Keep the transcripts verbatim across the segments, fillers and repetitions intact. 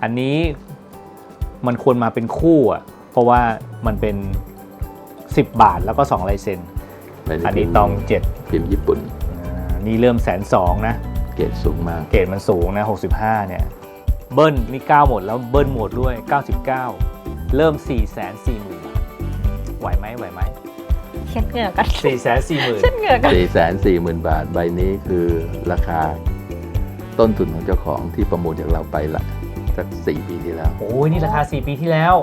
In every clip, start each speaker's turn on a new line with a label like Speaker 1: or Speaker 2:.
Speaker 1: อันนี้มันควรมาเป็นคู่อ่ะเพราะว่ามันเป็นสิบบาทแล้วก็สองลายเซ็นอันนี้ตองเจ็ด
Speaker 2: พิมพ์ญี่ปุ่น
Speaker 1: นี่เริ่มแสนสองนะ
Speaker 2: เกรดสูงมาก
Speaker 1: เกรดมันสูงนะหกสิบห้าเนี่ยเบิ้ลนี่เก้าหมดแล้วเบิ้ลหมดด้วยเก้าสิบเก้าเริ่ม สี่แสนสี่หมื่น บาทไหวไหมไหวไหม
Speaker 3: เช็ดเหงื่อกัน
Speaker 1: สี่แสนสี่หมื่น
Speaker 3: เช็ดเหงื่อกัน
Speaker 2: สี่แสนสี่หมื่น บาทใบนี้คือราคาต้นทุนของเจ้าของที่ประมูลจากเราไปละสักสี่ปีที่แล้ว
Speaker 1: โอ้ยนี่ราคาสี่ปีที่แล้ว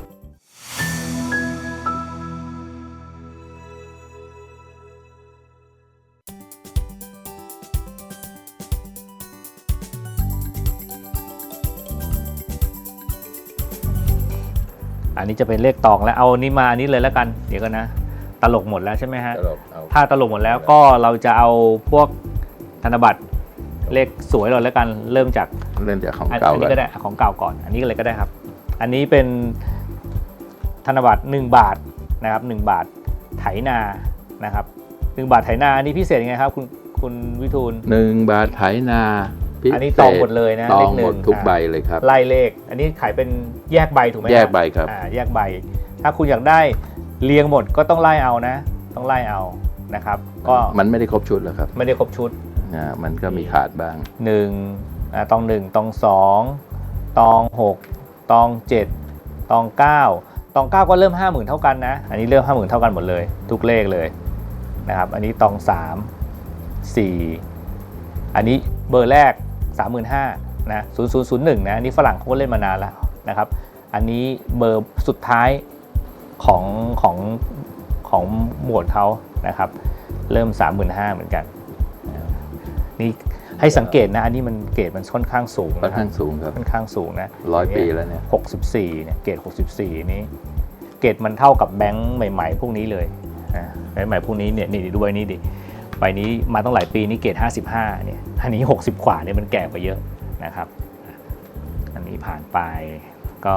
Speaker 1: อันนี้จะเป็นเลขตองแล้วเอานี้มาอันนี้เลยแล้วกันเดี๋ยวกันนะตลกหมดแล้วใช่ไหมฮะถ้าตลกหมดแล้วก็เราจะเอาพวกธนบัตรเลขสวยเราแล้วกันเริ่มจาก
Speaker 2: เริ่มจากของเก่า
Speaker 1: อันนี้ก็ได้ของเก่าก่อนอันนี้ก็เลยก็ได้ครับอันนี้เป็นธนบัตรหนึ่งบาทนะครับหนึ่งบาทไถนานะครับหนึ่งบาทไถนาอันนี้พิเศษยังไงครับคุณคุณวิทูล
Speaker 2: หนึ่งบาทไถนา
Speaker 1: อันนี้ตองหมดเลยนะ
Speaker 2: ตองหมดทุกใบเลยครับ
Speaker 1: ไล่เลขอันนี้ขายเป็นแยกใบถูกไหม
Speaker 2: แยกใบครับ
Speaker 1: แยกใบถ้าคุณอยากได้เรียงหมดก็ต้องไล่เอานะต้องไล่เอานะครับก็
Speaker 2: มันไม่ได้ครบชุดหรอกครับ
Speaker 1: ไม่ได้ครบชุด
Speaker 2: อ่ามันก็มีขาดบ้าง
Speaker 1: หนึ่งอ่าตองหนึ่งตองสองตองหกตองเจ็ดตองเก้าตองเก้าก็เริ่มห้าหมื่นเท่ากันนะอันนี้เริ่มห้าหมื่นเท่ากันหมดเลยทุกเลขเลยนะครับอันนี้ตองสามสี่อันนี้เบอร์แรกสามหมื่นห้านะศูนย์ศูนย์ศูนย์หนึ่งนะอันนี้ฝรั่งเขาก็เล่นมานานแล้วนะครับอันนี้เบอร์สุดท้ายของของของหมวดเขานะครับเริ่ม สามหมื่นห้าพัน เหมือนกันนี่ให้สังเกตนะอันนี้มันเกรดมันค่อนข้างสูง
Speaker 2: ค่อนข้างสูงครับ
Speaker 1: ค่อนข้างสูงนะ
Speaker 2: ร้อยปีแล้วเนี่ย
Speaker 1: หกสิบสี่เนี่ยเกรดหกสิบสี่นี้เกรดมันเท่ากับแบงค์ใหม่ๆพวกนี้เลยนะแบงค์ใหม่พวกนี้เนี่ยนี่ดูใบนี้ดิใบนี้มาตั้งหลายปีนี่เกรดห้าสิบห้าเนี่ยอันนี้หกสิบกว่าเนี่ยมันแก่กว่าเยอะนะครับอันนี้ผ่านไปก็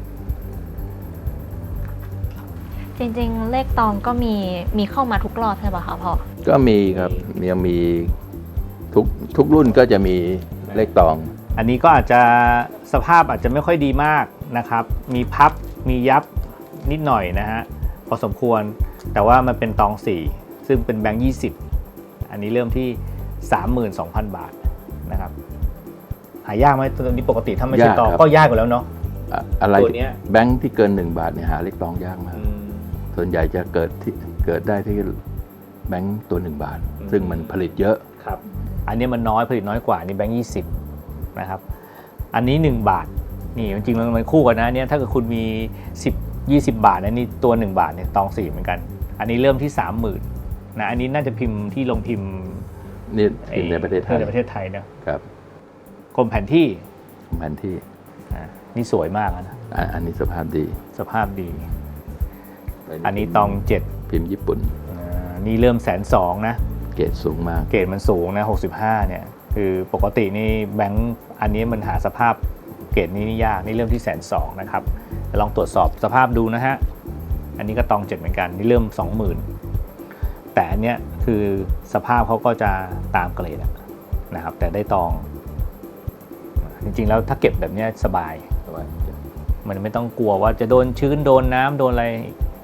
Speaker 3: จริงๆเลขตองก็มีมีเข้ามาทุกรอบใช่ป่ะคะพ่อ
Speaker 2: ก็มีครับยังมีทุกทุกรุ่นก็จะมีเลขตอง
Speaker 1: อันนี้ก็อาจจะสภาพอาจจะไม่ค่อยดีมากนะครับมีพับมียับนิดหน่อยนะฮะพอสมควรแต่ว่ามันเป็นตองสี่ซึ่งเป็นแบงค์ยี่สิบอันนี้เริ่มที่ สามหมื่นสองพัน บาทนะครับหายากไหมตัวนี้ปกติถ้าไม่ใช่ตองก็ยากกว่าแล้วเนาะ
Speaker 2: อะไรแบงค์ที่เกินหนึ่งบาทเนี่ยหาเลขตองยากมากส่วนใหญ่จะเกิดที่เกิดได้ที่แบงค์ตัวหนึ่งบาทซึ่งมันผลิตเยอะ
Speaker 1: ครับอันนี้มันน้อยผลิตน้อยกว่านี่แบงค์ยี่สิบนะครับอันนี้หนึ่งบาทนี่จริงๆมันคู่กันนะเนี่ยถ้าเกิดคุณมีสิบ ยี่สิบบาทนะนี่ตัวหนึ่งบาทเนี่ยตองสี่เหมือนกันอันนี้เริ่มที่ สามหมื่น นะอันนี้น่าจะพิมพ์ที่ลงพิมพ์
Speaker 2: นี่พิมพ์ในประเทศไทย
Speaker 1: ในประเทศไทยนะครับกรมแผนที่
Speaker 2: แผนที่
Speaker 1: นี่สวยมากนะ
Speaker 2: อันนี้สภาพดี
Speaker 1: สภาพดีอันนี้ตองเจ็ด
Speaker 2: พิมพ์ญี่ปุ่น
Speaker 1: นี่เริ่มแสนสองนะ
Speaker 2: เกรดสูงมาก
Speaker 1: เกรดมันสูงนะหกสิบห้าเนี่ยคือปกตินี่แบงค์อันนี้มันหาสภาพเกรดนี้นี่ยากนี่เริ่มที่แสนสองนะครับลองตรวจสอบสภาพดูนะฮะอันนี้ก็ตองเจ็ดเหมือนกันนี่เริ่ม สองหมื่น แต่อันเนี้ยคือสภาพเขาก็จะตามเกรดนะครับแต่ได้ตองจริงๆแล้วถ้าเก็บแบบนี้สบายมันไม่ต้องกลัวว่าจะโดนชื้นโดนน้ำโดนอะไร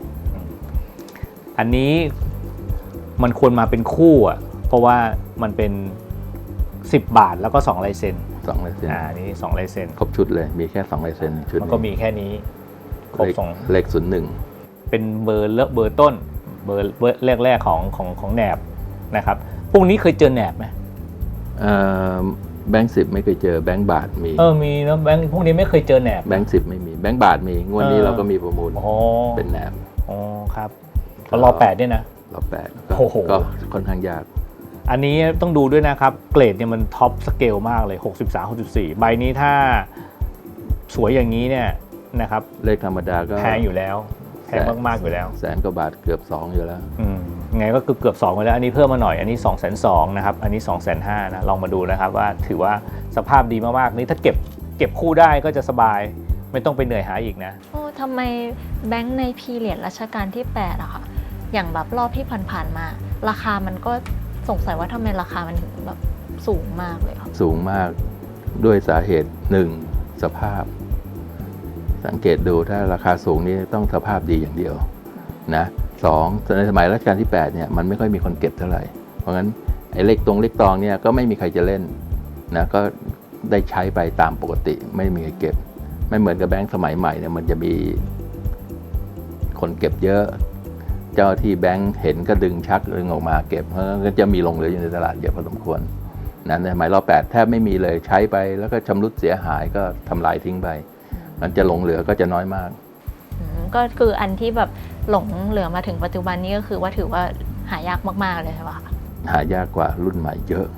Speaker 1: อันนี้มันควรมาเป็นคู่อ่ะเพราะว่ามันเป็นสิบบาทแล้วก็สองลายเซ็น
Speaker 2: สองลายเซ็น
Speaker 1: อ่านี่สองลายเซ็น
Speaker 2: ครบชุดเลยมีแค่สองลายเซ็นชุด
Speaker 1: มันก็มีแค่นี้ครบสอง
Speaker 2: เลขศูนย์หนึ่ง
Speaker 1: เป็นเบอร์เลเบอร์ต้นเบอร์เบอร์แรกๆของของของแหนบนะครับพวกนี้เคยเจอแหนบไหม
Speaker 2: เอ่อแบงค์สิบไม่เคยเจอแบงค์บาทมี
Speaker 1: เออมีนะแบงค์พวกนี้ไม่เคยเจอแหนบ
Speaker 2: แบงค์สิบไม่มีแบงค์บาทมีงวดนี้เราก็มีประมูลเป็นแหนบ
Speaker 1: อ๋อครับรอแปดด้วยนะ
Speaker 2: รอแปดก็ค่อนข้างยาก
Speaker 1: อันนี้ต้องดูด้วยนะครับเกรดเนี่ยมันท็อปสเกลมากเลยหกสิบสาม หกสิบสี่ใบนี้ถ้าสวยอย่างนี้เนี่ยนะครับ
Speaker 2: เลขธรรมดาก็
Speaker 1: แพงอยู่แล้วแพงมากๆอยู่แล้ว
Speaker 2: แสนกว่าบาทเกือบสองอยู่แล้ว
Speaker 1: อืมไงก็เกือบเกือบสองไปแล้วอันนี้เพิ่มมาหน่อยอันนี้ สองแสนสอง นะครับอันนี้ สองแสนห้า นะลองมาดูนะครับว่าถือว่าสภาพดีมากๆนี่ถ้าเก็บเก็บคู่ได้ก็จะสบายไม่ต้องไปเหนื่อยหาอีกนะ
Speaker 3: โอ้ทำไมแบงค์ในพีเรียดรัชกาลที่แปดอะค่ะอย่างแบบรอบที่ผ่านๆมาราคามันก็สงสัยว่าทำไมราคามันแบบสูงมากเลยครับ
Speaker 2: สูงมากด้วยสาเหตุหนึ่งสภาพ สังเกตดูถ้าราคาสูงนี่ต้องสภาพดีอย่างเดียวนะสองในสมัยรัชกาลที่แปดเนี่ยมันไม่ค่อยมีคนเก็บเท่าไหร่เพราะงั้นไอ้เลขตรงเลขตองเนี่ยก็ไม่มีใครจะเล่นนะก็ได้ใช้ไปตามปกติไม่มีใครเก็บไม่เหมือนกับแบงค์สมัยใหม่เนี่ยมันจะมีคนเก็บเยอะเจ้าที่แบงค์เห็นก็ดึงชักดึงออกมาเก็บเพราะก็จะมีลงเหลืออยู่ในตลาดเยอะพอสมควรนะในสมัยรอแปดแทบไม่มีเลยใช้ไปแล้วก็ชำรุดเสียหายก็ทำลายทิ้งไปมันจะหลงเหลือก็จะน้อยมาก
Speaker 3: ก็คืออันที่แบบหลงเหลือมาถึงปัจจุบันนี้ก็คือว่าถือว่าหายากมากๆเลยใช่ปะ
Speaker 2: หายากกว่ารุ่นใหม่เยอะ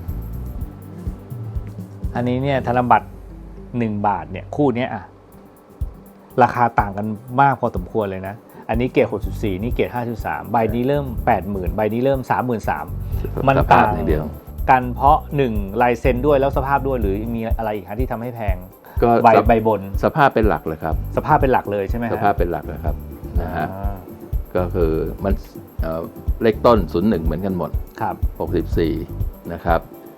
Speaker 1: อันนี้เนี่ยธนบัตรหนึ่งบาทเนี่ยคู่นี้อะราคาต่างกันมากพอสมควรเลยนะอันนี้เกรดหกจุดสี่นี่เกรดห้าจุดสามใบนี้เริ่ม แปดหมื่น ใบนี้เริ่ม สามหมื่นสามพัน มันต่างกันเพราะหนึ่งลายเซ็นด้วยแล้วสภาพด้วยหรือมีอะไรอีกครับที่ทำให้แพง
Speaker 2: ก็
Speaker 1: ใบใบบน
Speaker 2: สภาพเป็นหลักเลยครับ
Speaker 1: สภาพเป็นหลักเลยใช่ไหม
Speaker 2: สภาพเป็นหลักเลยครับนะฮะก็คือมันเลขต้นศูนย์หนึ่งเหมือนกันหมด
Speaker 1: ครับ
Speaker 2: หกสิบสี่นะครับ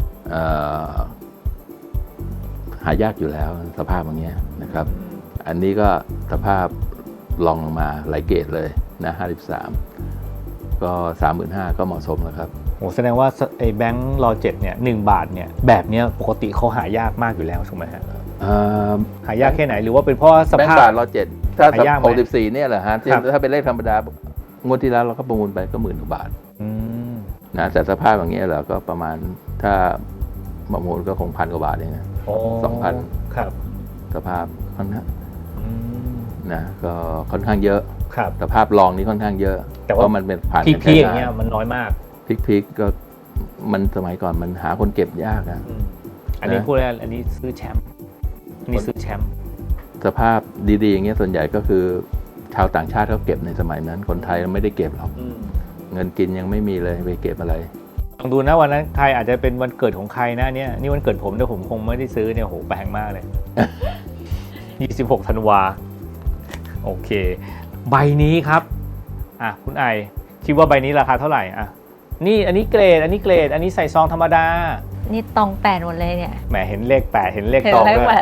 Speaker 2: หายากอยู่แล้วสภาพอย่างเงี้ยนะครับอันนี้ก็สภาพลองลงมาหลายเกรดเลยนะห้าสิบสามก็ สามหมื่นห้าพัน ก็เหมาะสมแล้วครับ
Speaker 1: โอ้แสดงว่าไอ้แบงค์รอเจ็ดเนี่ยหนึ่งบาทเนี่ยแบบเนี้ยปกติเขาหายากมากอยู่แล้วถูกไหมฮะหายากแค่ไหนหรือว่าเป็นเพราะสภาพ
Speaker 2: แบงค์บาทรอเจ็ดถ้าหกสิบสี่เนี่ยแหละฮะถ้าเป็นเลขธรรมดางวดที่แล้วเราก็ประมูลไปก็หมื่นกว่าบาทนะแต่สภาพอย่างเงี้ยเราก็ประมาณถ้าประมูลก็คงพันกว่าบาทเองนะสองพัน
Speaker 1: ครับ
Speaker 2: สภาพค่อนข้างนะก็ค่อนข้างเยอะ
Speaker 1: ครับ
Speaker 2: สภาพรองนี้ค่อนข้างเยอะ
Speaker 1: แต่ว่า
Speaker 2: มันเป็นผ่าน
Speaker 1: พีคๆอย่างเงี้ยมันน้อยมาก
Speaker 2: พีคๆก็มันสมัยก่อนมันหาคนเก็บยากนะ
Speaker 1: อันนี้พูดแล้วอันนี้ซื้อแชมป์นี่ซื้อแชมป์
Speaker 2: สภาพดีๆอย่างเงี้ยส่วนใหญ่ก็คือชาวต่างชาติเขาเก็บในสมัยนั้นคนไทยไม่ได้เก็บหรอกเงินกินยังไม่มีเลยไปเก็บอะไร
Speaker 1: ลองดูนะวันนั้นใครอาจจะเป็นวันเกิดของใครนะเนี่ยนี่วันเกิดผมแต่ผมคงไม่ได้ซื้อเนี่ยโหแพงมากเลยยี่สิบหกธันวาโอเคใบนี้ครับอ่ะคุณไอคิดว่าใบนี้ราคาเท่าไหร่อ่ะนี่อันนี้เกรดอันนี้เกรดอันนี้ใส่ซองธรรมดา
Speaker 3: นี่ตองแปดหมดเลยเนี่ย
Speaker 1: แหมเห็นเลขแปดเห็นเลขตองด้วย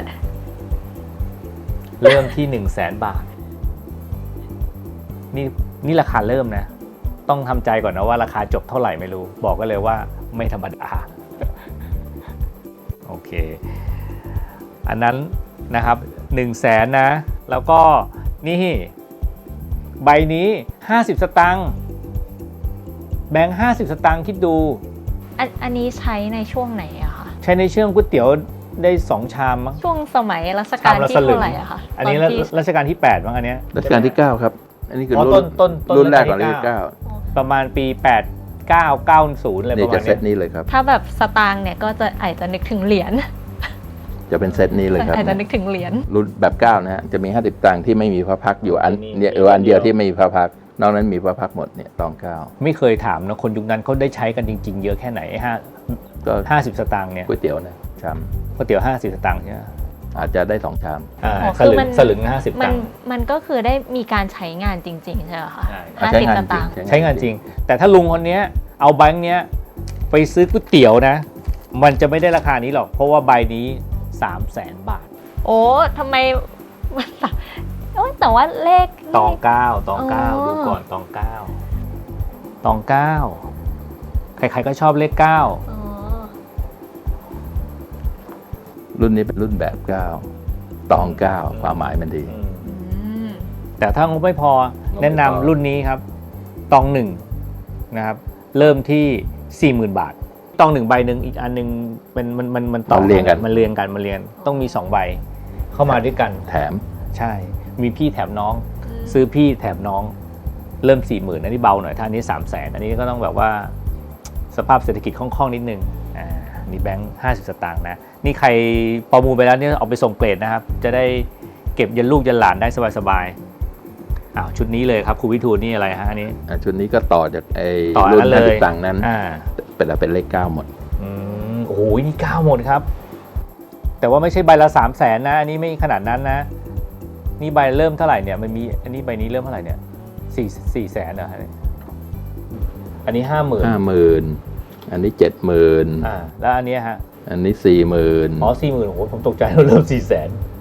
Speaker 1: เริ่มที่หนึ่งแสนบาทนี่นี่ราคาเริ่มนะต้องทำใจก่อนนะว่าราคาจบเท่าไหร่ไม่รู้บอกก็เลยว่าไม่ธรรมดาโอเคอันนั้นนะครับหนึ่งแสนนะแล้วก็นี่ใบนี้ห้าสิบสตางค์แบงค์ห้าสิบสตางค์คิดดู
Speaker 3: อันอันนี้ใช้ในช่วงไหนอะคะ
Speaker 1: ใช้ในช่วงก๋วยเตี๋ยวได้สองชามมั้ง
Speaker 3: ช่วงสมัยรัชกาลที่เท่าไหร่อะคะ
Speaker 1: อันนี้รัชกาลที่แปดมั้งอันเนี้ย
Speaker 2: รัชกาลที่เก้าครับอันนี้คือ
Speaker 1: รุ่นต้น
Speaker 2: รุ่นแรกของรัชกาลที่เก้า
Speaker 1: ประมาณปีแปดเก้า เก้าสิบอะไรประมาณนี้
Speaker 2: จะเซตนี้เลยครับ
Speaker 3: ถ้าแบบสตางค์เนี่ยก็จะอาจจะนึกถึงเหรียญ
Speaker 2: จะเป็นเซตนี้เลยครับ
Speaker 3: อาจจะนึกถึงเหรียญ
Speaker 2: รุ่นแบบเก้านะฮะจะมีห้าสิบตังค์ที่ไม่มีพระพักอยู่อันเนี่ยเอออันเดียวที่ไม่มีพระพักนอกนั้นมีพระพักหมดเนี่ยตองเก้า
Speaker 1: ไม่เคยถามนะคนยุคนั้นเขาได้ใช้กันจริงๆเยอะแค่ไหนห้าก็ห้าสิบสตางค์เนี่ย
Speaker 2: ก๋วยเตี๋ยวนะชาม
Speaker 1: ก๋วยเตี๋ยวห้าสิบสตางค์ใช่ไหม
Speaker 2: อาจจะได้สองชาม
Speaker 1: อ่าสลึงสลึงห้าสิบตังค์
Speaker 3: มันก็คือได้มีการใช้งานจริงๆใช่ไหมคะ
Speaker 2: ห้าสิบสตางค์
Speaker 1: ใช้งานจริงแต่ถ้าลุงคนนี้เอาแบงค์เนี้ยไปซื้อก๋วยเตี๋ยวนะมันจะไม่ได้ราคานี้หรอกเพราะว่าใบนี้สามแสนบาท
Speaker 3: โอ้ทำไมแต่ว่าเลข
Speaker 1: ตองเก้าตองเก้าดูก่อนตองเก้าตองเก้าใครๆก็ชอบเลขเก้า
Speaker 2: รุ่นนี้เป็นรุ่นแบบเก้าตองเก้าความหมายมันดี
Speaker 1: แต่ถ้างบไม่พอแนะนำรุ่นนี้ครับตองหนึ่งนะครับเริ่มที่สี่หมื่นบาทตองหนึ่งใบหนึ่งอีกอันหนึ่งเป็นมันมันมันต่อ
Speaker 2: เรียงกัน
Speaker 1: มันเรียงกันมันเรียงต้องมีสองใบเข้ามาด้วยกัน
Speaker 2: แถม
Speaker 1: ใช่มีพี่แถมน้องซื้อพี่แถมน้องเริ่มสี่หมื่นอันนี้เบาหน่อยถ้าอันนี้สามแสนอันนี้ก็ต้องแบบว่าสภาพเศรษฐกิจคล่องๆนิดนึงอ่านี่แบงค์ห้าสิบสตางค์นะนี่ใครประมูลไปแล้วเนี่ยเอาไปส่งเกรดนะครับจะได้เก็บยันลูกยันหลานได้สบายๆอ้าวชุดนี้เลยครับครูวิทูลนี่อะไรฮะอันนี้
Speaker 2: ชุดนี้ก็ต่อจากไอ้รุ่นห้าสิบตังค์นั้นเป็นเป็นเลขเก้าหมด
Speaker 1: อืมโอ้โหนี่เก้าหมดครับแต่ว่าไม่ใช่ใบละสามแสนนะอันนี้ไม่ขนาดนั้นนะนี่ใบเริ่มเท่าไหร่เนี่ยมันมีอันนี้ใบนี้เริ่มเท่าไหร่เนี่ยสี่สี่แสนเหรอฮะอันนี้ห้าหมื่น
Speaker 2: ห้าหมื่นอันนี้เจ็ดหมื่น
Speaker 1: อ่าแล้วอันนี้ฮะ
Speaker 2: อันนี้สี่หมื่น
Speaker 1: อ๋อสี่หมื่นโอ้โหผมตกใจเริ่มสี่แสน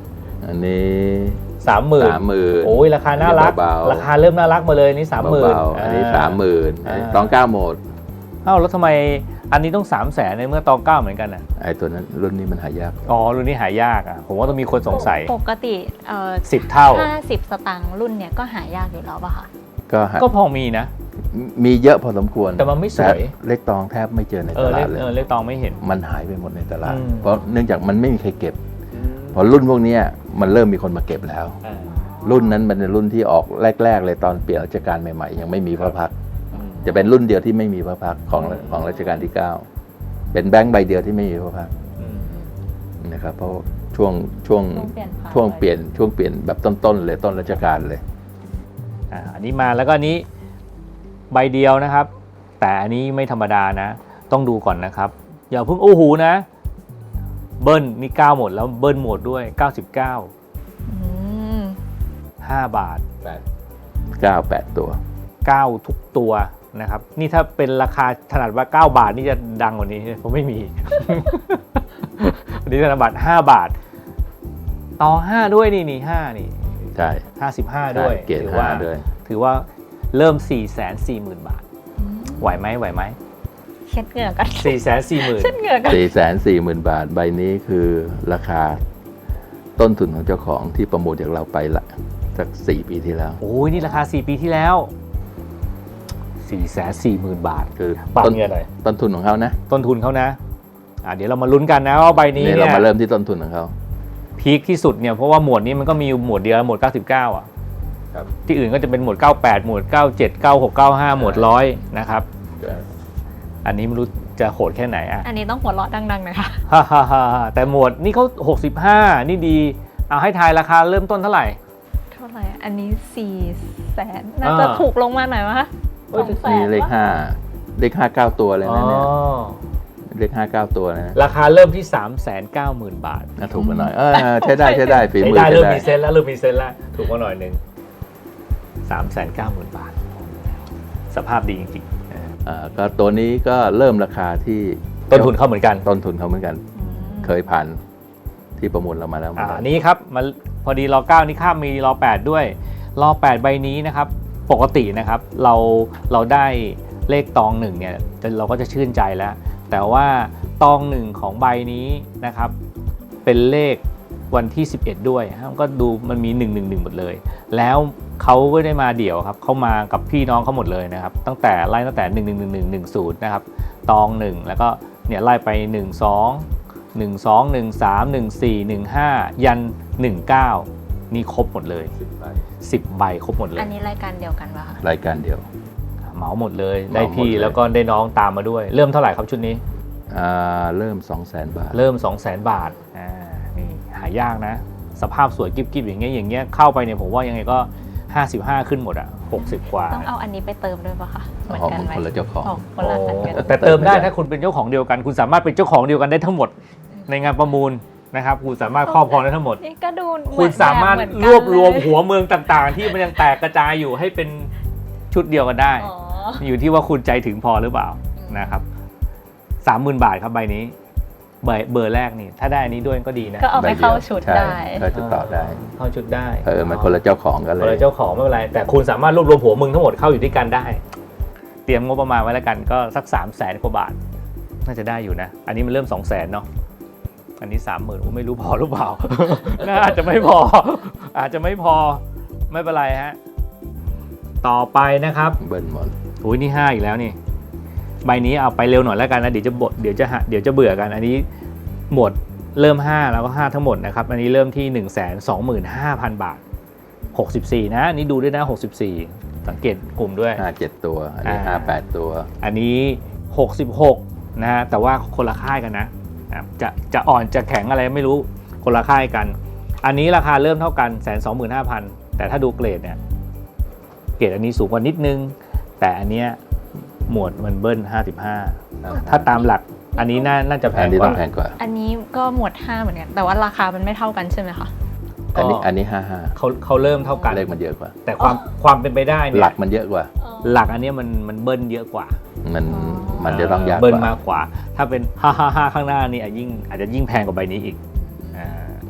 Speaker 2: อันนี้
Speaker 1: สามหมื่น
Speaker 2: สามหมื่น
Speaker 1: โอ้ยราคาน่ารัก
Speaker 2: เบาๆ
Speaker 1: ราคาเริ่มน่ารักมาเลยนี่สามหมื่น
Speaker 2: เบาๆอันนี้สามหมื่นตองเก้าโหมด
Speaker 1: เอ้าแล้วทำไมอันนี้ต้องสามแสนในเมื่อตองเก้าเหมือนกันอ่ะ
Speaker 2: ไอ้ตัวนั้นรุ่นนี้มันหายาก
Speaker 1: อ๋อรุ่นนี้หายากอ่ะผมว่าต้องมีคนสงสัย
Speaker 3: ปกติเอ่อ
Speaker 1: สิบเท่า
Speaker 3: ห้าสิบสตางค์รุ่นเนี้ยก็หายากอยู่แล้วป่ะคะ
Speaker 2: ก็หา
Speaker 1: ก็พอมีนะ
Speaker 2: มีเยอะพอสมควร
Speaker 1: แต่มันไม่สวย
Speaker 2: แต่เลขตองแทบไม่เจอใน
Speaker 1: เอ
Speaker 2: ต
Speaker 1: อเล
Speaker 2: ลา
Speaker 1: ข
Speaker 2: ดเลย
Speaker 1: เออเลขตองไม่เห็น
Speaker 2: มันหายไปหมดในตลาด
Speaker 1: อืม
Speaker 2: เพราะเนื่องจากมันไม่มีใครเก็บ พอรุ่นพวกเนี้ยมันเริ่มมีคนมาเก็บแล้ว
Speaker 1: อ่า
Speaker 2: รุ่นนั้นมันเป็นรุ่นที่ออกแรก ๆ เลยตอนเปลี่ยนรัชกาลใหม่ๆยังไม่มีพระพักตร์
Speaker 1: อืม
Speaker 2: จะเป็นรุ่นเดียวที่ไม่มีพระพักตร์ของของรัชกาลที่เก้าเป็นแบงค์ใบเดียวที่ไม่มีพระพักตร์
Speaker 1: อืม
Speaker 2: นะครับเพราะช่วงช่วง
Speaker 3: ต้องเปลี่ยนผ่าน
Speaker 2: ช่วงเปลี่ยนช่วงเปลี่ยนแบบต้นๆเลยต้นรัชกาลเลย
Speaker 1: อ่าอันนี้มาแล้วก็อันนี้ใบเดียวนะครับ แต่อันนี้ไม่ธรรมดานะ ต้องดูก่อนนะครับ อย่าเพิ่งโอ้โหนะ เบิ้ลนี่เก้าหมดแล้วเบิ้ลหมดด้วยเก้าสิบเก้า
Speaker 3: อืม
Speaker 1: ห้าบาท
Speaker 2: เก้าแปดตัว
Speaker 1: เก้าทุกตัวนะครับ นี่ถ้าเป็นราคาถนัดว่าเก้าบาทนี่จะดังกว่านี้ผมไม่มี อันนี้ธนบัตรห้าบาท ต่อห้าด้วยนี่นี่ห้านี่
Speaker 2: ใช่
Speaker 1: ห้าสิบห้าด้วย
Speaker 2: ใช่เกรด
Speaker 1: ถื
Speaker 2: ห้า
Speaker 1: ว่า
Speaker 2: ด้วย
Speaker 1: ถือว่าเริ่ม สี่แสนสี่หมื่น บาท ไหวไหมไหวไหม
Speaker 3: เช็ดเหงื่อกัน
Speaker 1: สี่แสนสี่หมื่น
Speaker 3: เช็ดเหงื่อกัน
Speaker 2: สี่แสนสี่หมื่นบาท ใบนี้คือราคาต้นทุนของเจ้าของที่ประมูลจากเราไปละสักสี่ปีที่แล้ว
Speaker 1: โอ้ยนี่ราคาสี่ปีที่แล้ว สี่แสนสี่หมื่น บาท
Speaker 2: คือ
Speaker 1: ปรับ
Speaker 2: ต้น
Speaker 1: เงินหน่อย
Speaker 2: ต้นทุนของเขานะ
Speaker 1: ต้นทุนเขานะอ่าเดี๋ยวเรามาลุ้นกันนะว่าใบนี้
Speaker 2: นี่
Speaker 1: เนี่
Speaker 2: เรา
Speaker 1: ย
Speaker 2: มาเริ่มที่ต้นทุนของเขา
Speaker 1: พีคที่สุดเนี่ยเพราะว่าหมวดนี้มันก็มีอยู่หมวดเดียวหมวดเก้าสิบเก้าอ่ะ
Speaker 2: ครับ
Speaker 1: ที่อื่นก็จะเป็นหมวดเก้าแปดหมวดเก้าเจ็ด เก้าหก เก้าห้าหมวดร้อยนะครับ อันนี้ไม่รู้จะโหดแค่ไหนอ่ะ
Speaker 3: อันนี้ต้องหัวเราะดังๆหน่อยค่ะ
Speaker 1: ฮ่าฮ่าฮ่าแต่หมวดนี่เขาหกสิบห้านี่ดีเอาให้ทายราคาเริ่มต้นเท่าไหร่
Speaker 3: เท่าไหร่อันนี้สี่แสนน่าจะ
Speaker 1: อ่า
Speaker 3: ถูกลงมาหน่อยมั้ยคะสองแส
Speaker 2: นี่
Speaker 3: น
Speaker 2: เลข
Speaker 3: วะ
Speaker 2: ห้าเลขห้าเก้าตัวเลย
Speaker 1: อ๋อ
Speaker 2: นะเนี่ยเลขห้าเก้าตัวนะ
Speaker 1: ราคาเริ่มที่ สามแสนเก้าหมื่น บาท
Speaker 2: น่าถูกกันหน่อยเออใช้ได้ใช้ได้ฝี
Speaker 1: ใช้
Speaker 2: มือ
Speaker 1: ได้
Speaker 2: ใช้
Speaker 1: เริ่ม
Speaker 2: ได้
Speaker 1: มีเซนแล้วเริ่มมีเซนแล้วถูกกว่าหน่อยหนึ่ง สามแสนเก้าหมื่น บาท สภาพดีจริง
Speaker 2: อ่าก็ตัวนี้ก็เริ่มราคาที่
Speaker 1: ๆต้นทุนเข้าเหมือนกัน
Speaker 2: ต้นทุนเขาเหมือนกัน
Speaker 3: อืม
Speaker 2: เคยผ่านที่ประมูลเรามาแล้ว
Speaker 1: อ่านี้ครับมาพอดีรอเก้านี่ข้ามมีรอแปดด้วยรอแปดใบนี้นะครับ ปกตินะครับเราเราได้เลขตองหนึ่งเนี่ยเราก็จะชื่นใจแล้ว แต่ว่าตองหนึ่งของใบนี้นะครับ เป็นเลขวันที่สิบเอ็ดด้วยมันก็ดูมันมีหนึ่ง หนึ่ง หนึ่งหมดเลย แล้วเขาไม่ได้มาเดี่ยวครับเขามากับพี่น้องเขาหมดเลยนะครับ ตั้งแต่ไล่ตั้งแต่หนึ่ง หนึ่ง หนึ่ง หนึ่ง หนึ่ง ศูนย์นะครับตองหนึ่งแล้วก็เนี่ยไล่ไปหนึ่ง สอง หนึ่ง สอง หนึ่ง สาม หนึ่ง สี่ หนึ่ง ห้ายันหนึ่ง เก้านี่ครบหมดเลยสิบใบครบหมดเลย
Speaker 3: อันนี้รายการเดียวกันป่ะคะ
Speaker 2: รายการเดียว
Speaker 1: เหมาหมดเลยได้
Speaker 2: เหมาหมด
Speaker 1: พี่
Speaker 2: เลย
Speaker 1: แล้วก็ได้น้องตามมาด้วย เริ่มเท่าไหร่ครับชุดนี้
Speaker 2: อ่าเริ่ม สองแสน บาท
Speaker 1: เริ่ม สองแสน บาทอ่านี่หายากนะ สภาพสวยกิ๊บๆอย่างเงี้ยอย่างเงี้ยเข้าไปเนี่ยผมว่ายังไงก็ห้าสิบห้าขึ้นหมดอ่ะหกสิบกว่า
Speaker 3: ต้องเอาอันนี้ไปเติมด้วยป่ะคะเหมือน
Speaker 2: อ๋อ
Speaker 3: กันไหม
Speaker 2: คนละเจ้าของ
Speaker 3: คนละอันกัน
Speaker 1: แต่เติมได้ถ้าคุณเป็นเจ้าของเดียวกัน คุณสามารถเป็นเจ้าของเดียวกันได้ทั้งหมดในงานประมูลนะครับคุณสามารถครอบครองได้ทั้งหมด
Speaker 3: นี่ก็ดูเห
Speaker 1: คุ
Speaker 3: มื
Speaker 1: ณ
Speaker 3: อน
Speaker 1: สามารถ
Speaker 3: แบบเห
Speaker 1: ร
Speaker 3: อนกัน
Speaker 1: วบรวม
Speaker 3: เลย
Speaker 1: หัวเมืองต่างๆ ที่มันยังแตกกระจายอยู่ให้เป็นชุดเดียวกันได้
Speaker 3: อ๋อ
Speaker 1: อยู่ที่ว่าคุณใจถึงพอหรือเปล่านะครับสามหมื่นบาทครับใบนี้ใบเบอร์แรกนี่ถ้าได้อันนี้ด้วยก็ดีนะ
Speaker 3: ก็เอาไปเข้าชุด
Speaker 2: ใช่
Speaker 3: ได้
Speaker 2: เข้าชุดต่อได้
Speaker 1: เข้าชุดได้
Speaker 2: เออมันคนละเจ้าของกันเล
Speaker 1: คน
Speaker 2: ย
Speaker 1: ละเจ้าของไม่เป็นไรแต่คุณสามารถรวบรวมหัวเมืองทั้งหมดเข้าอยู่ด้วยกันได้ เตรียมงบประมาณไว้แล้วกันก็สักสามแสนกว่าบาทน่าจะได้อยู่นะ อันนี้มันเริ่มสองแสนเนาะอันนี้สามหมื่นไม่รู้พอหรือเปล่า น่าอาจจะไม่พอ อาจจะไม่พอไม่เป็นไรฮะต่อไปนะครับ
Speaker 2: เบิ้ลหมด
Speaker 1: โอ้ยนี่ห้าอีกแล้วนี่ใบนี้เอาไปเร็วหน่อยแล้วกันนะเดี๋ยวจะบดเดี๋ยวจะหาเดี๋ยวจะเบื่อกัน อันนี้หมดเริ่มห้าแล้วก็ห้าทั้งหมดนะครับอันนี้เริ่มที่ หนึ่งแสนสองหมื่นห้าพัน บาทหกสิบสี่นะอันนี้ดูด้วยนะหกสิบสี่สังเกตกลุ่มด้วย
Speaker 2: ห้าเจ็ดตัว อันนี้
Speaker 1: อ่า
Speaker 2: ห้าแปดตัว
Speaker 1: อันนี้หกสิบหกนะฮะแต่ว่าคนละค่ายกันนะนะครับจะจะอ่อนจะแข็งอะไรไม่รู้คนละค่ายกัน อันนี้ราคาเริ่มเท่ากัน หนึ่งแสนสองหมื่นห้าพัน แต่ถ้าดูเกรดเนี่ยเกรดอันนี้สูงกว่านิดนึงแต่อันเนี้ยหมวดมันเบิ้ลห้าสิบห้าถ้าตามหลักอันนี้น่าน่าจะแพ
Speaker 2: อัน
Speaker 1: ง
Speaker 2: นี้
Speaker 1: ก
Speaker 2: ต้อ
Speaker 1: ว่า
Speaker 2: งแพงกว่า
Speaker 3: อันนี้ก็หมวดห้าเหมือนกัน แต่ว่าราคามันไม่เท่ากันใช่ไหมคะ
Speaker 2: อันนี้อันนี้ห้าห้า
Speaker 1: เขาเขาเริ่มเท่ากัน
Speaker 2: เลขมันเยอะกว่า
Speaker 1: แต่ความความเป็นไปได้เนี่ย
Speaker 2: หลักมันเยอะกว่า
Speaker 1: หลักอันเนี้ยมันมันเบิ้ลเยอะกว่า
Speaker 2: มันมันจะต้องยากก
Speaker 1: เบิ้ล
Speaker 2: ว่า
Speaker 1: มากกว่า ถ้าเป็นห้าห้าห้าข้างหน้านี่อาจยิ่งอาจจะยิ่งแพงกว่าใบนี้อีกอ่า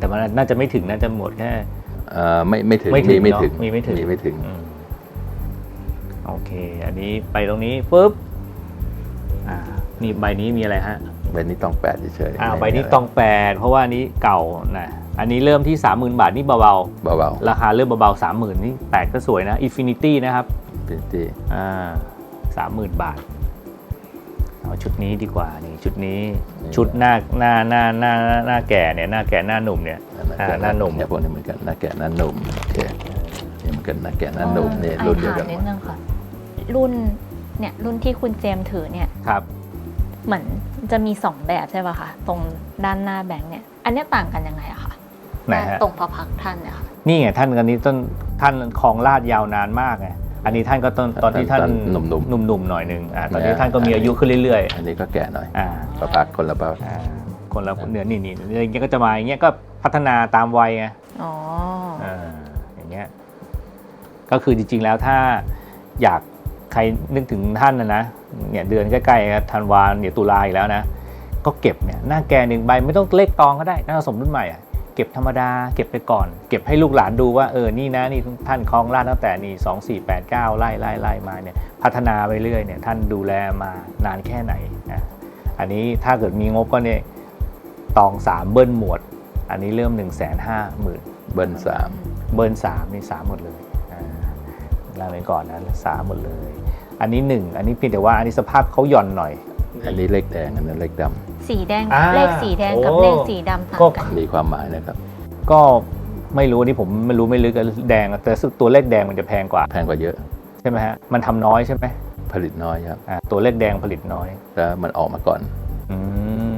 Speaker 1: แต่มันน่าจะไม่ถึงน่าจะหมดแค่
Speaker 2: เอ่อไม่ไม่ถึง
Speaker 1: ไม่ถึง
Speaker 2: ไม่ถึง
Speaker 1: เนอะมีไม่ถึง
Speaker 2: มีไม่ถึง
Speaker 1: อืมโอเค อันนี้ไปตรงนี้ปุ๊บอ่านี่ใบนี้มีอะไรฮะ
Speaker 2: ใบนี้ต้องแปดเฉยๆ
Speaker 1: อ่า
Speaker 2: ไม่
Speaker 1: ใบนี้
Speaker 2: ะไร
Speaker 1: ตองแปดเพราะว่าอันนี้เก่านะอันนี้เริ่มที่ สามหมื่น บาทนี่เบา
Speaker 2: เบา
Speaker 1: ๆราคาเริ่มเบาๆสามหมื่นนี่แปดก็สวยนะ Infinity นะครับ
Speaker 2: ๆเป็นที่
Speaker 1: อ่าสามหมื่นบาทเอาชุดนี้ดีกว่านี่ชุดนี้ชุดหน้าหน้าหน้าหน้าหน้าแก่เนี่ยหน้าแก่หน้าหนุ่มเนี่ย อ่าหน้าหนุ่ม
Speaker 2: เนี่ยพวกนี้เหมือนกันหน้าแก่หน้าหนุ่มโอเคนี่เหมือนกันหน้าแก่หน้าหนุ่มเนี่ย
Speaker 3: ไอ
Speaker 2: รุ่นเดียว
Speaker 3: ถาม
Speaker 2: กันห
Speaker 3: นิ
Speaker 2: ม
Speaker 3: ด
Speaker 2: ด
Speaker 3: นึงค่ะ รุ่นเนี่ยรุ่นที่คุณเจมส์ถือเนี่ย
Speaker 1: ครับ
Speaker 3: เหมือนจะมีสองแบบใช่ป่ะคะตรงด้านหน้าแบงค์เนี่ยอันเนี้ยต่างกันยังไงอะคะ
Speaker 1: ไหนฮะ
Speaker 3: ตรงพระพักตร์ท่านเนี่ยค่ะ
Speaker 1: นี่ไงท่านกันนี้ต้นท่านครองราชย์ยาวนานมากไงอันนี้ท่านก็ตอนตอนที่ท่าน
Speaker 2: หนุ่ม
Speaker 1: หนุ่มๆหน่อยหนึ่งอ่าตอนนี้ท่านก็มีอายุขึ้นเรื่อย
Speaker 2: ๆอันนี้ก็แก่หน่อย
Speaker 1: ๆอ่า
Speaker 2: ประพักคนละประ
Speaker 1: อ่าคนละเนื้อนี่นี่อย่างเงี้ยก็จะมาอย่างเงี้ยก็พัฒนาตามวัยไง
Speaker 3: อ๋อ
Speaker 1: อ่าอย่างเงี้ยก็คือจริงๆแล้วถ้าอยากใครนึกถึงท่านนะนะเนี่ยเดือนใกล้ๆครับธันวาเดี๋ยวตุลาอีกแล้วนะก็เก็บเนี่ยหน้าแกหนึ่งใบไม่ต้องเลขตองก็ได้หน้าสมรุ่นใหม่อ่ะเก็บธรรมดาเก็บไปก่อนเก็บให้ลูกหลานดูว่าเออนี่นะนี่ท่านครองราชย์ตั้งแต่นี่สองสี่แปดเก้าไล่ไล่ไล่มาเนี่ยพัฒนาไปเรื่อยเนี่ยท่านดูแลมานานแค่ไหนนะอันนี้ถ้าเกิดมีงบก็เนี่ยตองสามเบิ้ลหมวดอันนี้เริ่มหนึ่งแสนห้าหมื่น
Speaker 2: เบิ้ลสาม
Speaker 1: เบิร์นสามนี่สามหมดเลยอ่าลาไปก่อนนะสามหมดเลย อันนี้หนึ่งอันนี้เพียงแต่ว่าอันนี้สภาพเขาหย่อนหน่อย
Speaker 2: อันนี้เลขแดงอันนั้นเลขด
Speaker 3: สีแดง
Speaker 1: อ่า
Speaker 3: เลขสีแดงกับ
Speaker 1: โอ้
Speaker 3: เลขสีดำต่าง
Speaker 1: ก็
Speaker 3: กัน
Speaker 2: ำมีความหมายนะครับ
Speaker 1: ก็ไม่รู้นี่ผมไม่รู้ไม่ลึกอะแดงแต่สึกตัวเลขแดงมันจะแพงกว่า
Speaker 2: แพงกว่าเยอะ
Speaker 1: ใช่ไหมฮะมันทำน้อยใช่ไหม
Speaker 2: ผลิตน้อยครับ
Speaker 1: อ่าตัวเลขแดงผลิตน้อย
Speaker 2: แล้วมันออกมาก่อน
Speaker 1: อืม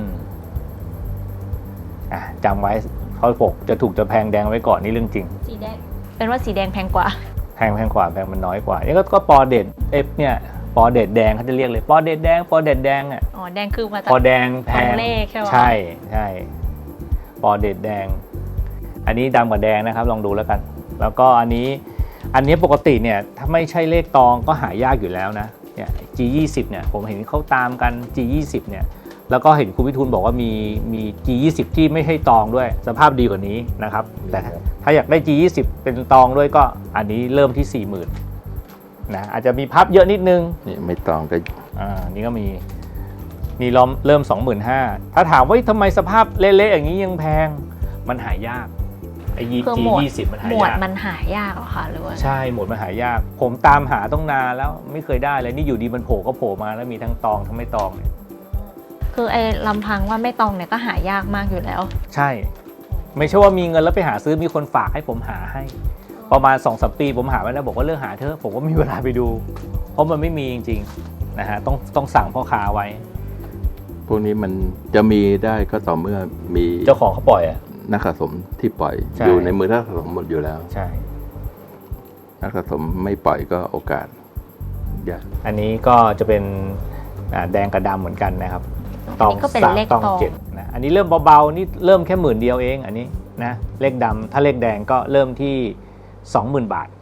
Speaker 1: อ่ะจำไว้เขาปกจะถูกจะแพงแดงไว้ก่อนนี่เรื่องจริง
Speaker 3: สีแดงเป็นว่าสีแดงแพงกว่า
Speaker 1: แพงแพงกว่าแพงมันน้อยกว่านี่ก็ก็ปอเด็ดเอฟเนี่ยปอเด็ดแดงเขาจะเรียกเลยปอเด็ดแดงปอเด็ดแดงอ่ะ
Speaker 3: อ๋อแดงคือมาจาก
Speaker 1: ปอแดงแพง
Speaker 3: ของเลขใช่ไหม
Speaker 1: ใช่ใช่ปอเด็ดแดง อันนี้ดำกับแดงนะครับลองดูแล้วกัน แล้วก็อันนี้อันนี้ปกติเนี่ยถ้าไม่ใช่เลขตองก็หายากอยู่แล้วนะเนี่ย จี ยี่สิบ เนี่ยผมเห็นเขาตามกัน จี ยี่สิบ เนี่ยแล้วก็เห็นคุณวิทูลบอกว่ามีมี จี ยี่สิบ ที่ไม่ใช่ตองด้วยสภาพดีกว่านี้นะครับแต่ถ้าอยากได้ จี ยี่สิบ เป็นตองด้วยก็อันนี้เริ่มที่ สี่หมื่น นะอาจจะมีพับเยอะนิดนึง
Speaker 2: นี่ไม่ต้องก็
Speaker 1: อ่านี่ก็มีมีล้อมเริ่ม สองหมื่นห้าพัน ถ้าถามว่าทำไมสภาพเละๆอย่างนี้ยังแพงมันหายากไอ้ยี
Speaker 3: คือ
Speaker 1: จี
Speaker 3: หมวด
Speaker 1: ยี่สิบมันหา
Speaker 3: หมวด
Speaker 1: ยาก
Speaker 3: มันหายากเหรอคะหรือว่า
Speaker 1: ใช่หมวดมันหายาก ผมตามหาต้องนานแล้วไม่เคยได้เลยนี่อยู่ดีมันโผล่ก็โผล่มาแล้วมีทั้งตองทั้งไม่ตองเนี่ย
Speaker 3: คือไอ้ลำพังว่าไม่ตองเนี่ยก็หายากมากอยู่แล้ว
Speaker 1: ใช่ ไม่ใช่ว่ามีเงินแล้วไปหาซื้อมีคนฝากให้ผมหาให้ ประมาณ สองสาม ปีผมหาไว้แล้วบอกว่าเลิกหาเถอะผมก็ไม่มีเวลาไปดู เพราะมันไม่มีจริงๆนะฮะต้องต้องสั่งพ่อค้าไว้
Speaker 2: พวกนี้มันจะมีได้ก็ต่อเมื่อมี
Speaker 1: เจ้าของเขาปล่อยอ่ะ
Speaker 2: นักสะสมที่ปล่อย
Speaker 1: ใช่
Speaker 2: อยู่ในมือนักสะสมหมดอยู่แล้ว
Speaker 1: ใช่
Speaker 2: นักสะสมไม่ปล่อยก็โอกาสยาก
Speaker 1: อันนี้ก็จะเป็นอ่าแดงกับดำเหมือนกันนะครับ
Speaker 3: อันนี้ก็เป็น
Speaker 1: สาม
Speaker 3: เลข
Speaker 1: ตอง
Speaker 3: ตอง
Speaker 1: เจ็ดนะอันนี้เริ่มเบาๆนี่เริ่มแค่หมื่นเดียวเองอันนี้นะเลขดำถ้าเลขแดงก็เริ่มที่ สองหมื่น บาท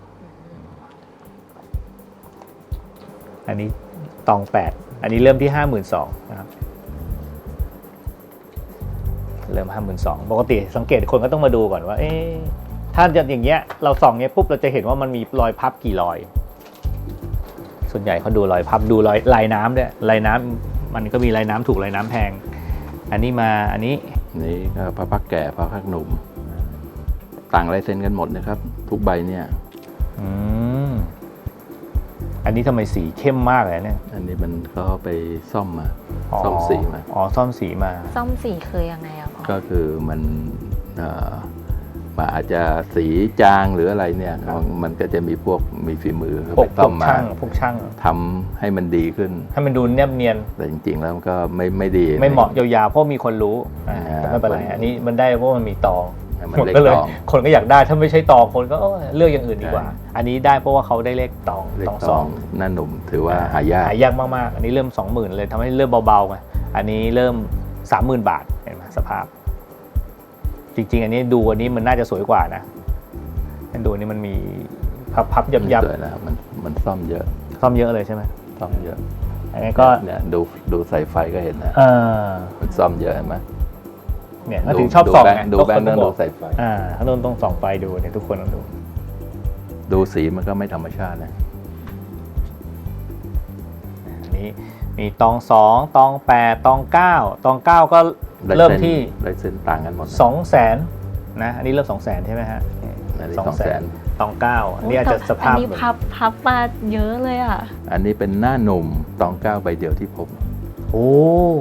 Speaker 1: อันนี้ตองแปดอันนี้เริ่มที่ ห้าหมื่นสองพัน นะครับเริ่ม ห้าหมื่นสองพัน ปกติสังเกตคนก็ต้องมาดูก่อนว่าเอ๊ะถ้าจะอย่างเงี้ยเราส่องเงี้ยปุ๊บเราจะเห็นว่ามันมีรอยพับกี่รอย ส่วนใหญ่เขาดูรอยพับดูรอยลายน้ำด้วยลายน้ำมันก็มีลายน้ำถูกลายน้ำแพง อันนี้มาอันนี้
Speaker 2: นี่ก็พระพักแก่พระพักหนุ่ม ต่างลายเซ็นกันหมดนะครับ ทุกใบเนี่ย
Speaker 1: อืมอันนี้ทำไมสีเข้มมากเลยเนี่ย
Speaker 2: อันนี้มันก็ไปซ่อมมาซ่อมสีมา
Speaker 1: อ๋อซ่อมสีมา
Speaker 3: ซ่อมสีคือยังไงอะพ่อ
Speaker 2: ก็คือมันเอ่อมันอาจจะสีจางหรืออะไรเนี่ยมันมันก็จะมีพวกมีฝีมือ
Speaker 1: พว
Speaker 2: ไป
Speaker 1: กพ
Speaker 2: ซ่
Speaker 1: ว
Speaker 2: อก มมา
Speaker 1: ช่างพวกช่าง
Speaker 2: ทำให้มันดีขึ้น
Speaker 1: ให้มันดูแนบเนียน
Speaker 2: แต่จริงๆแล้วมันก็ไม่ไม่ดี
Speaker 1: ไม่เหมาะยาวๆเพราะมีคนรู้อ่า
Speaker 2: อ่า
Speaker 1: แต่ไม่เป็นไรอันนี้มันได้เพราะมันมีตอง
Speaker 2: มัน
Speaker 1: คน
Speaker 2: เล็ก
Speaker 1: ก็เลย
Speaker 2: ตอง
Speaker 1: คนก็อยากได้ถ้าไม่ใช่ตองคนก็เอ้ยเลือกอย่างอื่นดีกว่า
Speaker 2: ใช่
Speaker 1: อันนี้ได้เพราะว่าเขาได้เลขตอง
Speaker 2: เล็ก
Speaker 1: ตอง
Speaker 2: ต
Speaker 1: ส
Speaker 2: อ
Speaker 1: อง ง
Speaker 2: หน้าหนุ่มถือว่าหายาก
Speaker 1: หายากมากๆ อันนี้เริ่ม สองหมื่น เลยทำให้เริ่มเบาๆไงอันนี้เริ่ม สามหมื่น บาทเห็นไหมสภาพ จริงๆ อันนี้ดูอันนี้มันน่าจะสวยกว่านะดูอันนี้มันมีพับๆยับ
Speaker 2: สวยแล้วมันมันซ่อมเยอะ
Speaker 1: ๆซ่อมเยอะเลยใช่ไหม
Speaker 2: ซ่อมเยอะ
Speaker 1: อันนี้ก็
Speaker 2: เนี่ยดูดูสายไฟก็เห็นนะ
Speaker 1: เออ
Speaker 2: มันซ่อมเยอะเห็นไหม
Speaker 1: เนี่ยเขาถึงชอบส่องไง
Speaker 2: ดูแบงค์
Speaker 1: ทุ
Speaker 2: ต้
Speaker 1: ก
Speaker 2: อง
Speaker 1: คน
Speaker 2: ดู
Speaker 1: บอก
Speaker 2: ใส่ไฟ
Speaker 1: อ่าเขาต้องต้องส่องไฟดูเนี่ยทุกคนต้องดู
Speaker 2: ดูสีมันก็ไม่ธรรมชาตินะ
Speaker 1: อันนี้มีตองสองตองแปดตองเก้าตองเก้าก็เริ่มที่
Speaker 2: ลายเส้นต่างกันหมดนะ
Speaker 1: สองแสนนะอันนี้เริ่มสองแสนใช่ไหมฮะ
Speaker 2: อันนี้
Speaker 1: สอง
Speaker 2: สอง
Speaker 1: แส
Speaker 2: แส
Speaker 1: น
Speaker 2: น
Speaker 1: ตองเก้าอันนี้อาจจะสภาพ
Speaker 3: อันนี้พับพับมาเยอะเลยอ่ะ
Speaker 2: อันนี้เป็นหน้าหนุ่มตองเก้าใบเดียวที่พบ
Speaker 1: โอ้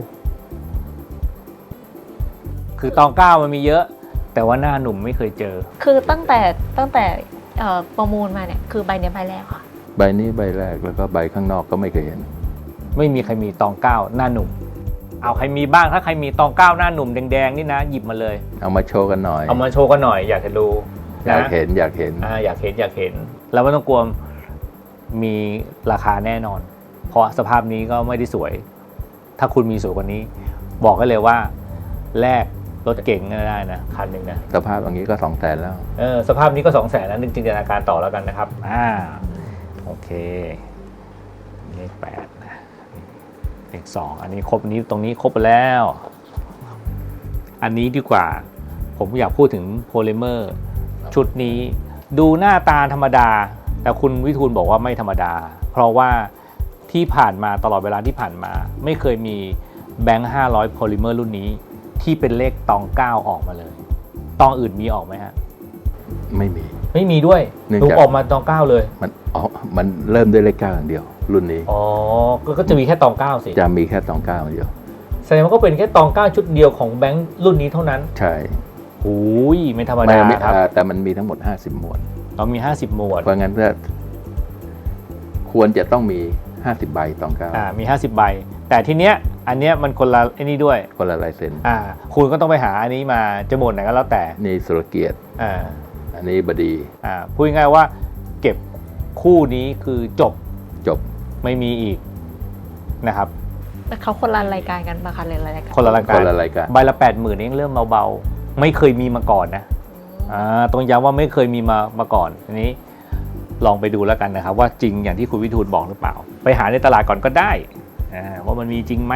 Speaker 1: คือตองเก้ามันมีเยอะ แต่ว่าหน้าหนุ่มไม่เคยเจอ
Speaker 3: คือตั้งแต่ตั้งแต่เอ่อประมูลมาเนี่ยคือใบเนี้ยใบแรกค่ะ
Speaker 2: ใบนี้ใบแรกแล้วก็ใบข้างนอกก็ไม่เคยเห็น
Speaker 1: ไม่มีใครมีตองเก้าหน้าหนุ่ม เอาใครมีบ้างถ้าใครมีตองเก้าหน้าหนุ่มแดงๆนี่นะหยิบมาเลย
Speaker 2: เอามาโชว์กันหน่อย
Speaker 1: เอามาโชว์กันหน่อยอยากจะดู
Speaker 2: อยาก
Speaker 1: นะ
Speaker 2: เห็นอยากเห็น
Speaker 1: อ่าอยากเห็นอยากเห็น แล้วไม่ต้องกลัวมีราคาแน่นอน เพราะสภาพนี้ก็ไม่ได้สวย ถ้าคุณมีสวยกว่านี้ บอกได้เลยว่าแลกรถเก่งก็ได้นะคันหนึ่งนะ
Speaker 2: สภาพอย่างนี้ก็สองแสนแล้ว
Speaker 1: เออสภาพนี้ก็สองแสนแล้วนึกจินตนาการต่อแล้วกันนะครับอ่าโอเคเลขแปดนะเลขสองอันนี้ครบนี้ตรงนี้ครบไปแล้ว อันนี้ดีกว่า ผมอยากพูดถึงโพลิเมอร์ชุดนี้ดูหน้าตาธรรมดา แต่คุณวิทูลบอกว่าไม่ธรรมดา เพราะว่าที่ผ่านมาตลอดเวลาที่ผ่านมา ไม่เคยมีแบงค์ห้าร้อยโพลิเมอร์รุ่นนี้ที่เป็นเลขตองเก้าออกมาเลย ตองอื่นมีออกไหมฮะ
Speaker 2: ไม่มี
Speaker 1: ไม่มีด้วย
Speaker 2: เนื่อง
Speaker 1: ถู
Speaker 2: จาก
Speaker 1: กออกมาตองเก้าเลย
Speaker 2: มันอ๋อมันเริ่มด้วยเลขเก้าอย่างเดียว รุ่นนี้
Speaker 1: อ๋อก็ก็จะมีแค่ตองเก้าสิ
Speaker 2: จะมีแค่ตองเก้าอย่างเดียว
Speaker 1: แสดงว่าก็เป็นแค่ตองเก้าชุดเดียวของแบงค์รุ่นนี้เท่านั้น
Speaker 2: ใช่
Speaker 1: โอ้ยไม่ธรรม
Speaker 2: ไม่
Speaker 1: ดา
Speaker 2: ไม่
Speaker 1: ครับ
Speaker 2: อ่าแต่มันมีทั้งหมดห้าสิบหมวด
Speaker 1: เรามีห้าสิบหมวด
Speaker 2: เพราะงั้นก็ควรจะต้องมีห้าสิบใบตองเก้า
Speaker 1: อ่ามีห้าสิบใบ แต่ทีเนี้ยอันเนี้ยมันคนละไอ้นี่ด้วย
Speaker 2: คนละลายเซ็น
Speaker 1: อ่าคุณก็ต้องไปหาอันนี้มาจะหมวดไหนก็แล้วแต่
Speaker 2: นี่สุรเกียรติ
Speaker 1: อ่า
Speaker 2: อันนี้บดี
Speaker 1: อ่าพูดง่ายๆว่าเก็บคู่นี้คือจบ
Speaker 2: จบ
Speaker 1: ไม่มีอีกนะครับ
Speaker 3: แต่เขาคนละรายการกันปะคะหรือรายการ
Speaker 1: คนละราย
Speaker 2: ค
Speaker 1: การ
Speaker 2: นละรายการ
Speaker 1: ใบละแปดหมื่นเองเริ่มเบาๆไม่เคยมีมาก่อนนะอ่าต้องย้ำว่าไม่เคยมีมามาก่อนอันนี้ลองไปดูแล้วกันนะครับ ว่าจริงอย่างที่คุณวิทูลบอกหรือเปล่า ไปหาในตลาดก่อนก็ได้อ่าว่ามันมีจริงไหม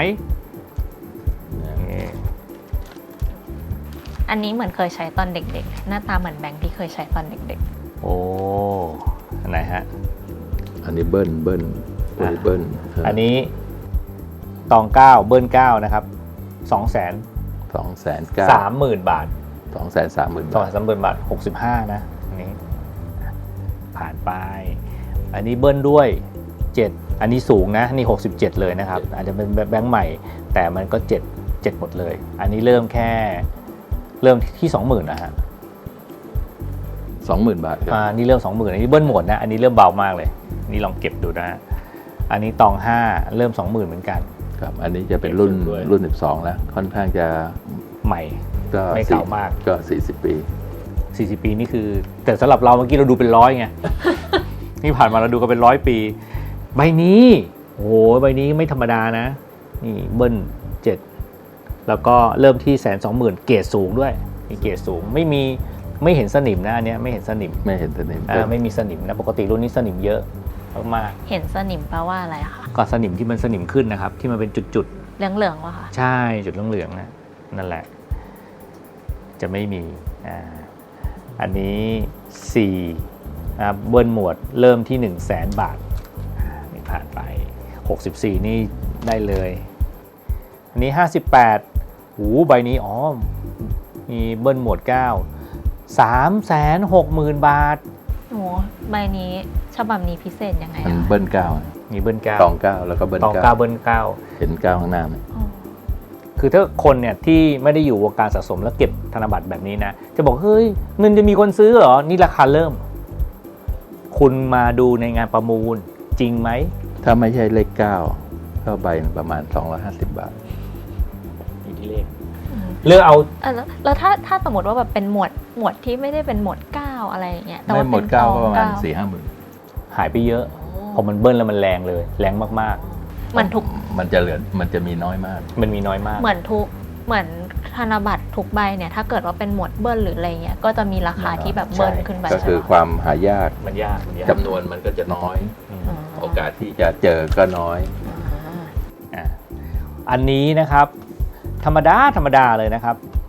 Speaker 3: อันนี้เหมือนเคยใช้ตอนเด็กๆ หน้าตาเหมือนแบงค์ที่เคยใช้ตอนเด็ก
Speaker 1: โอ้อันไหนฮะ
Speaker 2: อันนี้เบิ้ลเบิ้ลโพลิเบิ้ล
Speaker 1: อันนี้ตองเก้าเบิ้ลเก้านะครับสองแสน
Speaker 2: สองแสนเก้า
Speaker 1: สามหมื่นบาท
Speaker 2: สองแสนสามหมื่น
Speaker 1: สอง
Speaker 2: บาท
Speaker 1: แสนสามหมื่นบาทหกสิบห้านะอันนี้ผ่านไป อันนี้เบิ้ลด้วยเจ็ดอันนี้สูงนะนี่หกสิบเจ็ดเลยนะครับ อาจจะเป็นแบงค์ใหม่ แต่มันก็เจ็ดเจ็ดหมดเลย อันนี้เริ่มแค่เริ่มที่สองหมื่นนะฮะ
Speaker 2: สองหมื่นบาทครับ
Speaker 1: อ่านี่เริ่มสองหมื่นอันนี้เบิ้ลหมดนะอันนี้เริ่มเบามากเลยนี่ลองเก็บดูนะอันนี้ตองห้าเริ่มสองหมื่นเหมือนกัน
Speaker 2: ครับ อันนี้จะเป็นรุ่น
Speaker 1: เก็บด้วย
Speaker 2: รุ่นสิบสองแล้ว ค่อนข้างจะ
Speaker 1: ใหม่
Speaker 2: ก็
Speaker 1: ไม่
Speaker 2: สี่
Speaker 1: เก่ามาก
Speaker 2: ก็สี่สิบปี
Speaker 1: สี่สิบปีนี่คือ แต่สำหรับเราเมื่อกี้เราดูเป็นร้อยไง นี่ผ่านมาเราดูกันเป็นร้อยปี ใบนี้โอ้โหใบนี้ไม่ธรรมดานะนี่เบิ้ลเจ็ดแล้วก็เริ่มที่แสนสองหมื่นเกรดสูงด้วยมีเกรดสูงไม่มีไม่เห็นสนิมนะอันเนี้ยไม่เห็นสนิม
Speaker 2: ไม่เห็นสนิม
Speaker 1: อ่าไม่มีสนิมนะปกติรุ่นนี้สนิมเยอะมาก
Speaker 3: ๆ เห็นสนิมแปลว่าอะไรอะคะ
Speaker 1: ๆก็สนิมที่มันสนิมขึ้นนะครับ ที่มันเป็นจุด
Speaker 3: เหลืองๆวะคะ
Speaker 1: ๆใช่จุดเหลืองๆนะนั่นแหละ จะไม่มีอ่าอันนี้สี่อ่าเบิ้ลหมวดเริ่มที่หนึ่งแสนบาทอ่านี่ผ่านไปหกสิบสี่นี่ได้เลยอันนี้ห้าสิบแปดหูใบนี้อ๋อมีเบิ้ลหมวดเก้า สามแสนหกหมื่นบาท
Speaker 3: โอ้ใบนี้ฉบับนี้พิเศษยังไง
Speaker 2: มัน
Speaker 3: อะ
Speaker 2: เบิ้ลเก้า
Speaker 1: มีเบิ้ลเก้า
Speaker 2: ตองเก้าแล้วก็เบิ้ล
Speaker 1: ตอง
Speaker 2: เก้า
Speaker 1: เก้าเบิ้ลเก้า
Speaker 2: เห็นเก้าข้างหน้าไหม
Speaker 3: อ๋อ
Speaker 1: คือถ้าคนเนี่ยที่ไม่ได้อยู่วงการสะสมแล้วเก็บธนบัตรแบบนี้นะ จะบอกเฮ้ยเงินจะมีคนซื้อเหรอ นี่ราคาเริ่ม คุณมาดูในงานประมูลจริงไหม
Speaker 2: ถ้าไม่ใช่เลขเก้าก็ใบประมาณสองร้อยห้าสิบบาท
Speaker 1: อยู่ที่เลข
Speaker 3: อืม
Speaker 1: เลือกเอา
Speaker 3: อ่ะแล้วแล้วถ้าถ้าสมมติว่าแบบเป็นหมวดหมวดที่ไม่ได้เป็นหมวดเก้าอะไรอย่างเงี้ยแต่
Speaker 2: ไม่
Speaker 3: ว่า
Speaker 2: หม
Speaker 3: เป็
Speaker 2: ด
Speaker 3: น
Speaker 2: เก้า
Speaker 3: ต
Speaker 2: ก็
Speaker 3: อง
Speaker 2: ประมาณ
Speaker 3: เก้า
Speaker 2: สี่ห้าหมื่น
Speaker 1: หายไปเยอะ พอมันเบิ้ลแล้วมันแรงเลย แรงมาก
Speaker 3: เหมือนทุก
Speaker 2: มันจะเหลือมันจะมีน้อยมาก
Speaker 1: ๆ มันมีน้อยมาก
Speaker 3: เหมือนทุกเหมือนธนบัตรทุกใบเนี่ยถ้าเกิดว่าเป็นหมวดเบิ้ลหรืออะไรเงี้ยก็จะมีราคาที่แบบเบิ้ลขึ้นไป
Speaker 2: ก็คือ
Speaker 3: ใช่ไหม
Speaker 2: ความหายาก
Speaker 1: มันยากมันยาก
Speaker 2: จำนวนมันก็จะน้อย
Speaker 1: อืม
Speaker 3: อ๋อ
Speaker 2: โอกาสที่จะเจอก็น้อย
Speaker 3: อ่า
Speaker 1: อ่ะอันนี้นะครับ ธรรมดาธรรมดาเลยนะครับ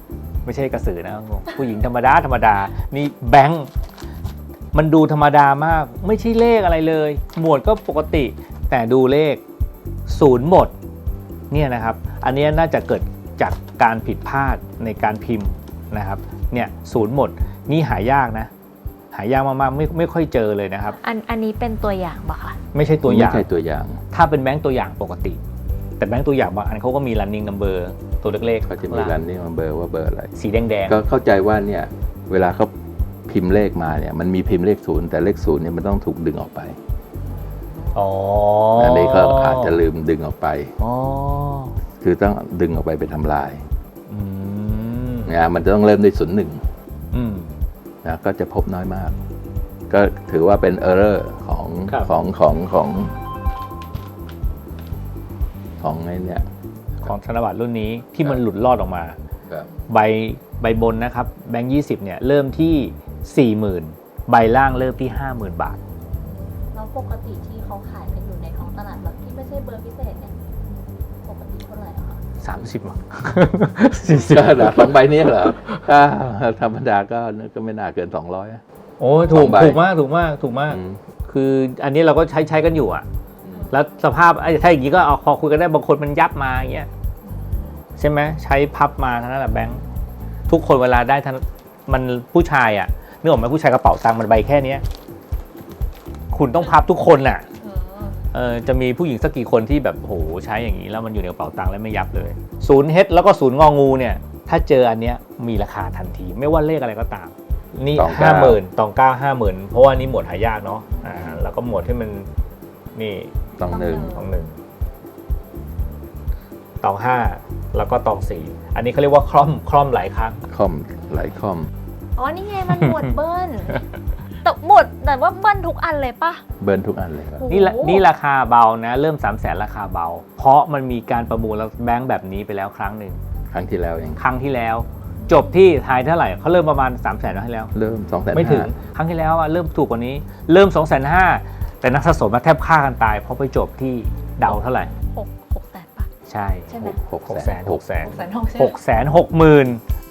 Speaker 1: ไม่ใช่กระสือนะผู้หญิงธรรมดาธรรมดานี่แบงค์มันดูธรรมดามากไม่ใช่เลขอะไรเลยหมวดก็ปกติแต่ดูเลขศูนย์หมดเนี่ยนะครับอันนี้น่าจะเกิดจากการผิดพลาดในการพิมพ์นะครับเนี่ยศูนย์หมดนี่หายากนะหายากมากๆไม่ไม่ค่อยเจอเลยนะครับ
Speaker 3: อันอันนี้เป็นตัวอย่างปะคะ
Speaker 1: ไม่ใช่ตัวอย่าง
Speaker 2: ไม่ใช่ตัวอย่าง
Speaker 1: ถ้าเป็นแบงค์ตัวอย่างปกติ แต่แบงค์ตัวอย่างบางอันเขาก็มี running number ตัวเล็กๆ
Speaker 2: เขาจะมีรันนี่มันเบอร์ว่าเบอร์อะไร
Speaker 1: สีแดง
Speaker 2: ก็เข้าใจว่าเนี่ยเวลาเขาพิมพ์เลขมาเนี่ยมันมีพิมพ์เลขศูนย์แต่เลขศูนย์เนี่ยมันต้องถูกดึงออกไป
Speaker 1: ๆอ๋อ
Speaker 2: อันนี้ก็อาจจะลืมดึงออกไป
Speaker 1: อ๋อ
Speaker 2: คือต้องดึงออกไปไปทำลาย
Speaker 1: อืม
Speaker 2: นะมันจะต้องเริ่มด้วยศูนย์หนึ่ง
Speaker 1: อืม
Speaker 2: นะก็จะพบน้อยมาก ก็ถือว่าเป็นเออร์เรอร์ของ
Speaker 1: ครับ
Speaker 2: ของของของของไอ้เนี่ย
Speaker 1: ของธนบัตรรุ่นนี้ที่มันหลุดรอดออกมา
Speaker 2: ครับ
Speaker 1: ใบใบบนนะครับแบงค์ยี่สิบเนี่ยเริ่มที่ สี่หมื่น ใบล่างเริ่มที่ ห้าหมื่น บาท
Speaker 3: แล้วปกติที่เขาขายกันอยู่ในท้องตลาดแบบที่ไม่ใช่เบอร์พิเศษเนี่ยปกติเท่าไหร่อะคะ
Speaker 1: สามสิบ มั้ง สี่สิบ
Speaker 2: ก็เหรอสองใบนี้เหรอถ้าธรรมดาก็ก็ไม่น่าเกินสองร้อย
Speaker 1: โอ้ยถู
Speaker 2: ส
Speaker 1: ก
Speaker 2: องใบ
Speaker 1: ถูกมากถูกมากถูกมาก คืออันนี้เราก็ใช้ใช้กันอยู่อะแล้วสภาพไอ้ถ้าอย่างนี้ก็เอาพอคุยกันได้บางคนมันยับมาอย่างเงี้ยใช่ไหมใช้พับมาเท่านั้นแหละแบงค์ทุกคนเวลาได้ทันมันผู้ชายอะนึกออกไหมผู้ชายกระเป๋าตังค์มันใบแค่เนี้ยคุณต้องพับทุกคนน่ะเออจะมีผู้หญิงสักกี่คนที่แบบโหใช้อย่างนี้แล้วมันอยู่ในกระเป๋าตังค์แล้วไม่ยับเลยศูนย์เฮดแล้วก็ศูนย์งองูเนี่ยถ้าเจออันเนี้ยมีราคาทันทีไม่ว่าเลขอะไรก็ตามนี่
Speaker 2: ตองเก้า
Speaker 1: ห้าหมื่นตองเก้าห้าหมื่นเพราะว่านี่หมวดหายากเนาะอ่าแล้วก็หมวดที่มันนี่
Speaker 2: ต้องหนึ่ง
Speaker 1: ตองหนึ่งตองห้าแล้วก็ตองสี่อันนี้เขาเรียกว่าคล่อมคล่อมหลายครั้ง
Speaker 2: คอมหลายคอม
Speaker 3: อ๋อนี่ไงมันหมวดเบิ้ลแต่หมวดแต่ว่าเบิ้ลทุกอันเลยปะ
Speaker 2: เบิร์นทุกอันเลยครับ
Speaker 1: นี่ละนี่ราคาเบานะเริ่มสามแสนราคาเบา เพราะมันมีการประมูลแล้วแบงค์แบบนี้ไปแล้วครั้งหนึ่ง
Speaker 2: ครั้งที่แล้วเอง
Speaker 1: ครั้งที่แล้ว จบที่ทายเท่าไหร่เขาเริ่มประมาณสามแสนแล้วให้แล้ว
Speaker 2: เริ่มสองแสน
Speaker 1: ไม่ถึงครั้งที่แล้วอะเริ่มถูกกว่านี้ เริ่มสองแสนห้าแต่นักสะสมมาแทบฆ่ากันตายเพราะไปจบที่เดาเท่าไหร่
Speaker 3: หกหกแสนปะ
Speaker 1: ใช่
Speaker 3: ใช่ไหม
Speaker 2: หก
Speaker 1: หก
Speaker 2: แส
Speaker 1: แส
Speaker 2: น
Speaker 1: นหกแสน
Speaker 3: หกแสนหกใช่ไห
Speaker 1: ห
Speaker 3: ม
Speaker 1: กแสนหกหมื่น